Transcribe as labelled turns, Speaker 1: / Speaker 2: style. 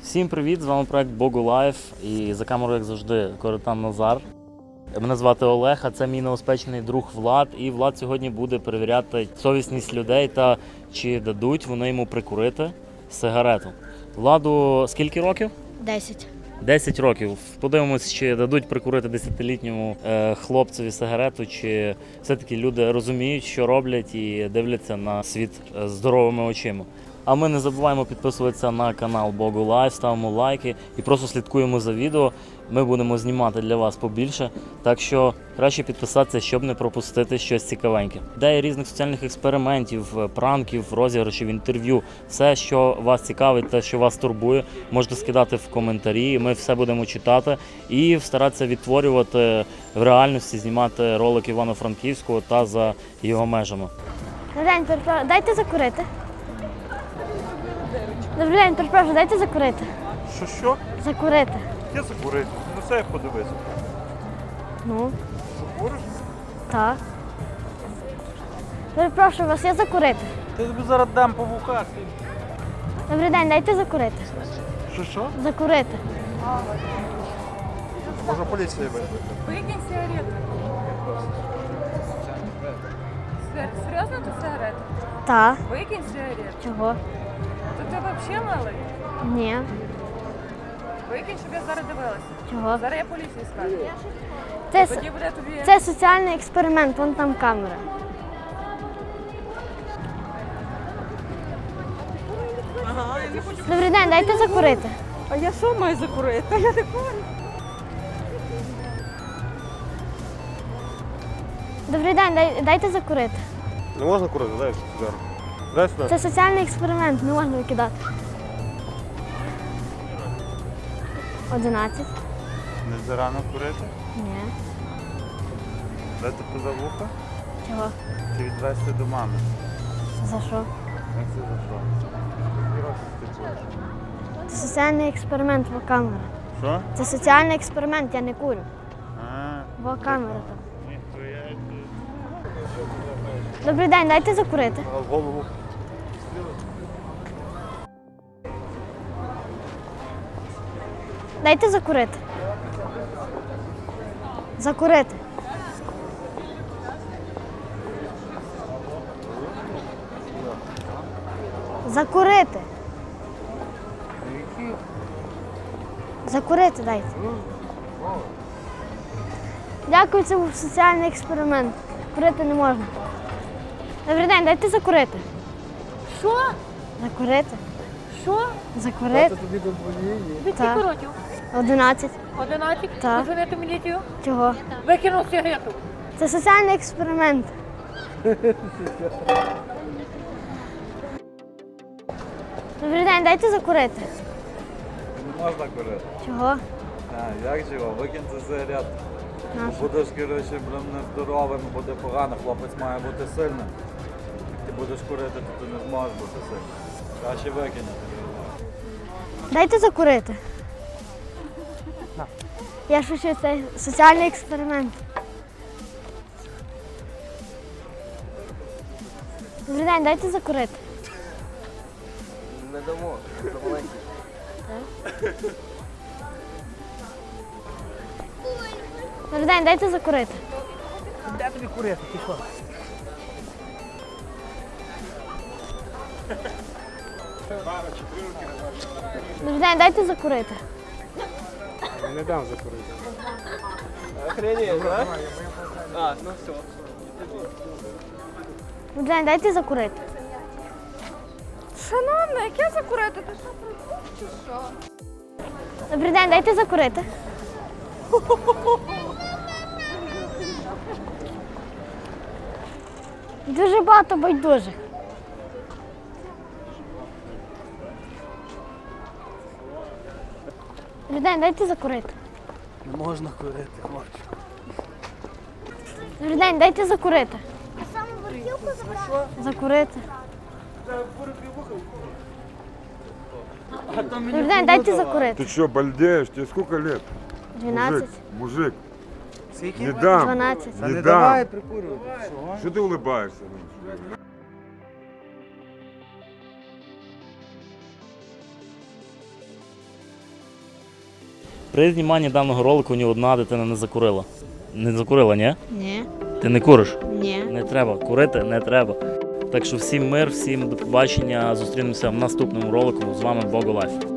Speaker 1: Всім привіт! З вами проект Богу Лайф і за камерою, як завжди, Коротан Назар. Мене звати Олег, а це мій новоспечений друг Влад. І Влад сьогодні буде перевіряти совісність людей та чи дадуть вони йому прикурити сигарету. Владу скільки років?
Speaker 2: 10.
Speaker 1: 10 років. Подивимось, чи дадуть прикурити 10-літньому хлопцеві сигарету, чи все-таки люди розуміють, що роблять і дивляться на світ здоровими очима. А ми не забуваємо підписуватися на канал Богу Лайф, ставимо лайки і просто слідкуємо за відео. Ми будемо знімати для вас побільше, так що краще підписатися, щоб не пропустити щось цікавеньке. Ідеї різних соціальних експериментів, пранків, розіграшів, інтерв'ю, все, що вас цікавить та що вас турбує, можете скидати в коментарі, ми все будемо читати і старатися відтворювати в реальності, знімати ролик Івано-Франківського та за його межами.
Speaker 2: Добрий день, перепрошую, дайте закурити. Добрий день, перепрошую, дайте закурити.
Speaker 3: Що?
Speaker 2: Закурити.
Speaker 3: Я закурити. На себе подивися.
Speaker 2: Ну,
Speaker 3: Що куриш?
Speaker 2: так. Перепрошую, вас є закурити.
Speaker 3: Ти тобі зараз дам по вухах.
Speaker 2: Добрий день, дайте закурити.
Speaker 3: Що?
Speaker 2: Закурити.
Speaker 3: Може поліція вийде.
Speaker 4: Выкинь сигарету. Серьезно ты сигарету?
Speaker 2: Так.
Speaker 4: Выкинь сигарету.
Speaker 2: Чого?
Speaker 4: То ти вообще малий?
Speaker 2: Ні.
Speaker 4: Викинь, щоб я зараз дивилася.
Speaker 2: Чого?
Speaker 4: Зараз я поліції скажу.
Speaker 2: Це,
Speaker 4: Тоді буде тобі...
Speaker 2: це соціальний експеримент, вон там камера. Добрий день, дайте закурити.
Speaker 4: А я що маю закурити? Я не курю.
Speaker 2: Добрий день, дайте закурити.
Speaker 3: Не можна курити, дай сигару. Дай сюди.
Speaker 2: Це соціальний експеримент, не можна викидати. 11.
Speaker 3: Не зарано курити?
Speaker 2: Ні.
Speaker 3: Дайте поза вуха
Speaker 2: Чого?
Speaker 3: чи відвезти до мами.
Speaker 2: За що?
Speaker 3: Як це за що? Скільки років ти куриш?
Speaker 2: Це соціальний експеримент, бо камера.
Speaker 3: Що?
Speaker 2: Це соціальний експеримент, я не курю.
Speaker 3: А,
Speaker 2: Бо камера там.
Speaker 3: ніхуя.
Speaker 2: Добрий день, дайте закурити.
Speaker 3: В голову.
Speaker 2: Дайте закурити. Закурити. Закурити. Закурити дайте. Дякую, це був соціальний експеримент. Курити не можна. Добрий день, дайте закурити.
Speaker 4: Що?
Speaker 2: Закурити.
Speaker 4: Що?
Speaker 2: Закурити.
Speaker 4: Ви
Speaker 2: Так.
Speaker 4: скільки років?
Speaker 2: 11.
Speaker 4: 11?
Speaker 2: Так.
Speaker 4: Позвонити в міліцію?
Speaker 2: Чого?
Speaker 4: Викинув сигарету.
Speaker 2: Це соціальний експеримент. Добрий день, дайте закурити.
Speaker 3: Не можна курити.
Speaker 2: Чого?
Speaker 3: А, як чого? Викинь цю сигарету.
Speaker 2: Нащо?
Speaker 3: Будеш, коротше, блин, нездоровим, буде погано, хлопець має бути сильним. Як ти будеш курити, то ти не зможеш бути сильним. Краще викинь.
Speaker 2: Дайте закурити. Я шучу, це соціальний експеримент. Добрий день, дайте закурити.
Speaker 5: Не дамо, це маленький.
Speaker 2: Добрий день, дайте закурити.
Speaker 5: Де тобі курити? Ти що?
Speaker 2: Добрий день, дайте закурити.
Speaker 5: Не дам закурити. Охренеть, а? А, ну все.
Speaker 2: Добрий день, дайте закурити.
Speaker 4: Шановна, як я закурити? Ти що, прикуп чи що?
Speaker 2: Добрий день, дайте закурити. Дуже багато байдужих. Добрий день, дайте закурити.
Speaker 5: Не можна курити, хлопчик.
Speaker 2: Добрий день, дайте закурити. Закурити. Добрий день, дайте закурити.
Speaker 6: Ты что, бальдеешь? Тебе сколько лет?
Speaker 2: 12,
Speaker 6: Мужик,
Speaker 5: Скільки?
Speaker 6: не дам.
Speaker 2: 12.
Speaker 6: Не дам.
Speaker 5: прикурювати.
Speaker 6: Что ты улыбаешься?
Speaker 1: При зніманні даного ролику ні одна дитина не закурила. Не закурила, ні?
Speaker 2: Ні.
Speaker 1: Ти не куриш?
Speaker 2: Ні.
Speaker 1: Не треба. Курити не треба. Так що всім мир, всім до побачення. Зустрінемося в наступному ролику. З вами Бого Лайф.